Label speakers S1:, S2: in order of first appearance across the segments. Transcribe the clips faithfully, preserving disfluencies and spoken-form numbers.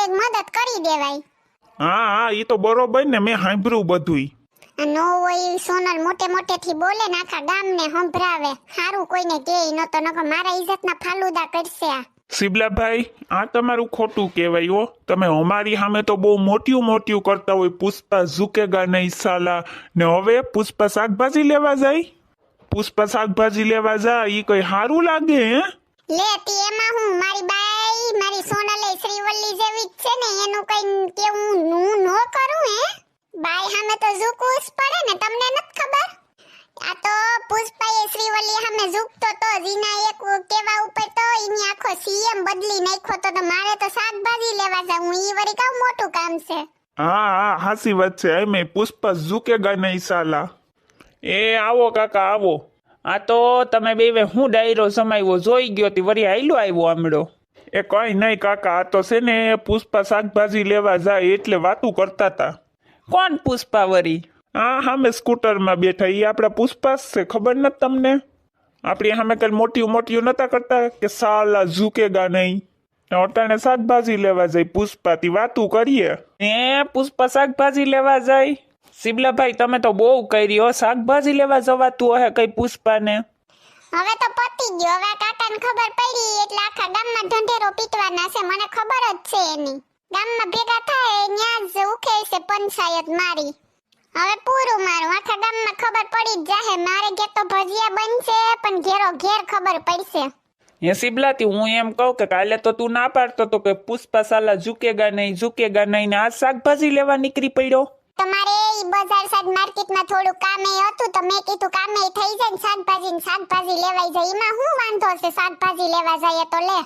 S1: કોઈક મદદ કરી દેવાય.
S2: હા હા ઈ તો બરોબર ને, મેં સાંભળ્યું બધુંય.
S1: નો હોય સોનલ મોટે મોટે થી બોલે ને આખા ગામને સંભળાવે. હારું કોઈને કે ન તો નકર મારા ઇજ્જતના ફાલુદા કરશે આ.
S2: શિબલાભાઈ, આ તમારું ખોટું કહેવાય હો. તમે અમારી સામે તો બહુ મોટિયું મોટિયું કરતા હોય, પુષ્પા ઝુકેગા નહીં સાલા, ને હવે પુષ્પા શાકભાજી લેવા જાય. પુષ્પા શાકભાજી લેવા જાય ઈ કઈ સારું લાગે હે?
S1: લે તી એમાં હું મારી બાઈ મારી સોનલે શ્રીવલ્લી જેવી જ છે ને, એનું કઈ કેવું હું નો કરું હે? બાઈ સામે તો ઝૂકવું જ પડે ને, તમને નથી ખબર? આ તો પુષ્પાએ શ્રીવલ્લી સામે ઝૂકતો તો જીના એક કેવા ઉપર તો એની આખો સીએમ બદલી નાખ્યો તો, તો મારે તો શાકભાજી લેવા જાવ. હું ઈ વળી કામ મોટું કામ છે.
S2: હા હા હાસી વાત છે. એમે પુષ્પા ઝુકેગા નહીં સાલા. એ આવો કાકા આવો.
S3: આ તો તમે બે હું ડાયરો સમાવ્યો જોઈ ગયો તી વળી આયલો આવ્યો આમળો.
S2: એ કઈ નહીં કાકા, આ તો છે ને પુષ્પા શાકભાજી લેવા જાય એટલે વાતું કરતા હતા.
S3: કોણ પુષ્પા વરી?
S2: હા સામે સ્કૂટરમાં બેઠા ઈ આપડા પુષ્પા જ છે, ખબર નથી તમને? આપણી સામે કઈ મોટી મોટી નતા કરતા કે સાલા ઝુકેગા નહીં. અટાણે શાકભાજી લેવા જાય પુષ્પા, થી વાતું કરીએ.
S3: એ પુષ્પા શાકભાજી લેવા જાય? શિબલાભાઈ તમે તો બહુ કરી હો, શાકભાજી લેવા જવાતું હે કઈ પુષ્પાને?
S1: હવે તો પતી ગયો. હવે કાકાને ખબર પડી એટલે આખા ગામમાં ઢંઢેરો પીટવાના છે, મને ખબર જ છે એની. ગામમાં ભેગા થાય ન્યા જ ઉખે છે પંચાયત મારી. હવે પૂરું મારું, આખા ગામમાં ખબર પડી જ જાહે. મારે ઘેર તો ભજીયા બનશે પણ ઘેરો ઘેર ખબર પડશે.
S3: હે શિબલાતી, હું એમ કહું કે કાલે તો તું ના પાડતો તો કે પુષ્પા સાલા ઝુકેગા નહીં ઝુકેગા નહીં, ને આ શાકભાજી લેવા નીકળી પડ્યો.
S1: તમારે ઈ બજાર સાઈડ માર્કેટમાં થોડું કામે હતું તો મેં કીધું કામે થઈ જાય ને શાકભાજી ને શાકભાજી લેવાઈ જાય. એમાં શું વાંધો છે? શાકભાજી લેવા જાય તો લે.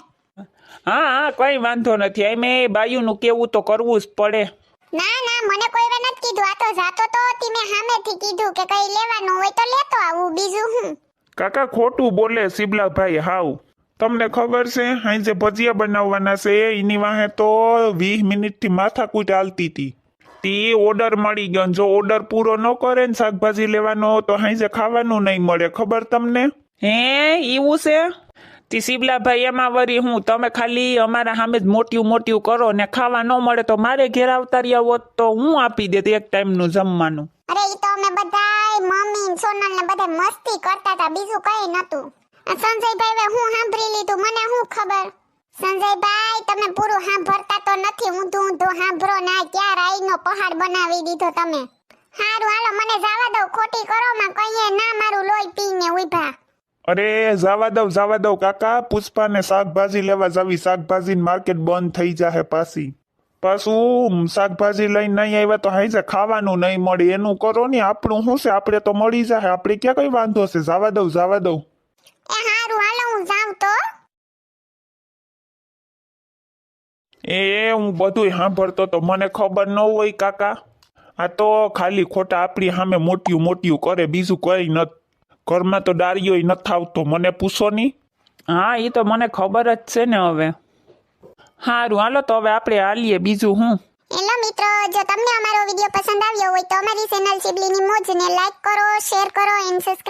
S3: હા હા કઈ વાંધો નથી. એમ એ બાયુનું કેવું તો કરવું જ પડે.
S1: ના ના મને કોઈ વાર નથી કીધું. આ તો જાતો તો હતી, મેં સામેથી કીધું કે કઈ લેવાનું હોય તો લેતો આવું, બીજું હું.
S2: કાકા ખોટું બોલે શિબલાભાઈ હાવ. તમને ખબર છે અહીં જે ભજીયા બનાવવાના છે એની વાહે તો વીસ મિનિટથી માથાકૂટ હાલતી હતી. તે ઓર્ડર મળી ગયો, જો ઓર્ડર પૂરો ન કરે ને શાકભાજી લેવાનો તો અહીં જે ખાવાનું નહીં મળે, ખબર તમને?
S3: હે એવું છે? તી શિબલાભાઈ એમાં વરી હું તમે ખાલી અમારા સામે જ મોટિયું મોટિયું કરો ને ખાવા ન મળે તો મારે ઘેર આવતા રહ્યા હોત તો હું આપી દેત એક ટાઈમનું જમવાનું.
S1: અરે ઈ તો અમે બધાય મમ્મી ને સોનલ ને બધા મસ્તી કરતા હતા, બીજું કઈ નતું. આ સંજયભાઈ હું સાંભળી લીધું, મને શું ખબર? સંજયભાઈ તમે પૂરું સાંભળતા તો નથી, ઊંધું ઊંધું સાંભળો ના. ક્યાં રાઈનો પહાડ બનાવી દીધો તમે. હારું હાલો મને જવા દો, ખોટી કરો માં કહીએ ના મારું લોહી પીને ઉભા.
S2: અરે જવા દઉં જવા દઉં કાકા, પુષ્પાને શાકભાજી લેવા જાવી. શાકભાજી માર્કેટ બંધ થઈ જાહે પાછી. પાછું શાકભાજી લઈને નહીં આવ્યા તો હાઈ જા ખાવાનું નહીં મળે. એનું કરો ને, આપણું શું છે, આપણે તો મળી જાહે. આપણે ક્યાં કઈ વાંધો છે? જવા દઉં જવા દઉં.
S1: એ હારું હાલો હું જાઉં તો.
S2: એ હું બધું સાંભળતો તો મને ખબર ન હોય કાકા. આ તો ખાલી ખોટા આપણી સામે મોટિયું મોટિયું કરે, બીજું કઈ નથી. ઘરમાં તો દાળીઓ નથી આવતો, મને પૂછો નહીં.
S3: હા એ તો મને ખબર જ છે ને. હવે સારું હાલો તો હવે આપણે હાલીએ, બીજું હું.
S1: હેલો મિત્રો, જો તમને અમારો વિડીયો પસંદ આવ્યો હોય તો અમારી ચેનલ સિબલીની મોજને લાઈક કરો, શેર કરો એન્ડ સબસ્ક્રાઇબ